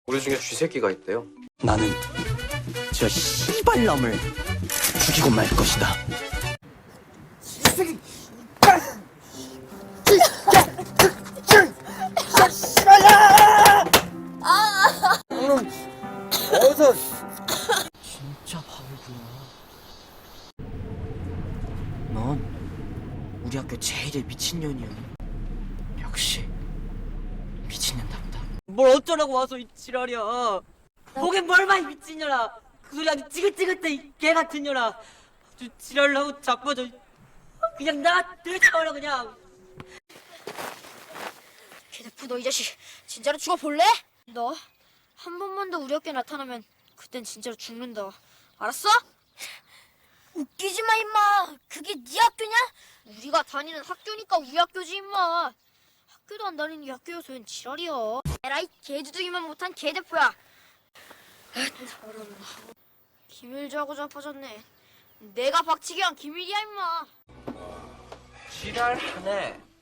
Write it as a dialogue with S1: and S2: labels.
S1: 우리 중에 쥐새끼가 있대요.
S2: 나는 저 씨발놈을 죽이고 말 것이다.
S1: 어서.
S2: 진짜 바보구나. 넌 우리 학교 제일의 미친년이야. 역시 미친년답다. 뭘 어쩌라고 와서 이 지랄이야. 목엔 뭘 봐, 이 미친년아. 그 소리 아주 찌긋찌긋해, 이 개같은 년아. 아주 지랄을 하고 자빠져. 그냥 나 들쳐버려 그냥.
S3: 개대프 너 이 자식 진짜로 죽어볼래? 너 한 번만 더 우리 학교에 나타나면 그땐 진짜로 죽는다. 알았어? 웃기지 마 임마. 그게 네 학교냐? 우리가 다니는 학교니까 우리 학교지 임마. 학교도 안 다니는 이 학교여서 웬 지랄이야. 에라이 개두둥이만 못한 개대포야. 기밀자고 자빠졌네. 내가 박치기한 기밀이야 임마.
S4: 지랄하네.